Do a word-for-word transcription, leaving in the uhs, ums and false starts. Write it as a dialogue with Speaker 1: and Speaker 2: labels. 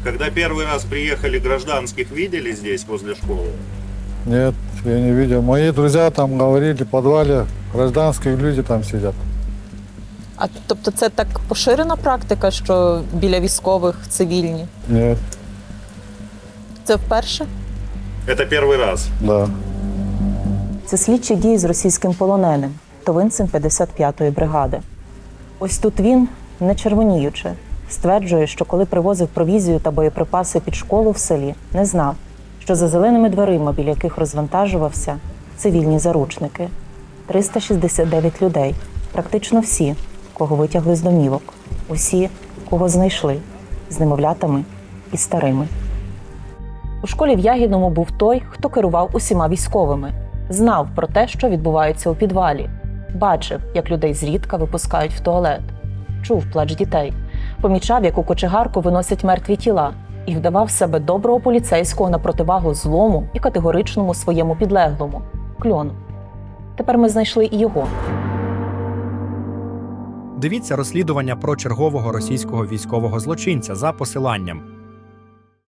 Speaker 1: Когда первый раз приехали, гражданских видели здесь, возле школы?
Speaker 2: Нет, я не видел. Мои друзья там говорили, в подвале гражданские люди там сидят.
Speaker 3: А тобто це так поширена практика, що біля військових цивільні?
Speaker 2: Нет,
Speaker 3: Це вперше?
Speaker 1: Это первый раз.
Speaker 2: да.
Speaker 4: Це слідчі дії з російським полоненим, товинцем п'ятдесят п'ятої бригади. Ось тут він, не червоніючи, стверджує, що коли привозив провізію та боєприпаси під школу в селі, не знав, що за зеленими дверима, біля яких розвантажувався, цивільні заручники. триста шістдесят дев'ять людей, практично всі, кого витягли з домівок, усі, кого знайшли, з немовлятами і старими. У школі в Ягідному був той, хто керував усіма військовими, знав про те, що відбувається у підвалі, бачив, як людей зрідка випускають в туалет, чув плач дітей, помічав, як у кочегарку виносять мертві тіла, і вдавав себе доброго поліцейського на противагу злому і категоричному своєму підлеглому – Кльону. Тепер ми знайшли і його.
Speaker 5: Дивіться розслідування про чергового російського військового злочинця за посиланням.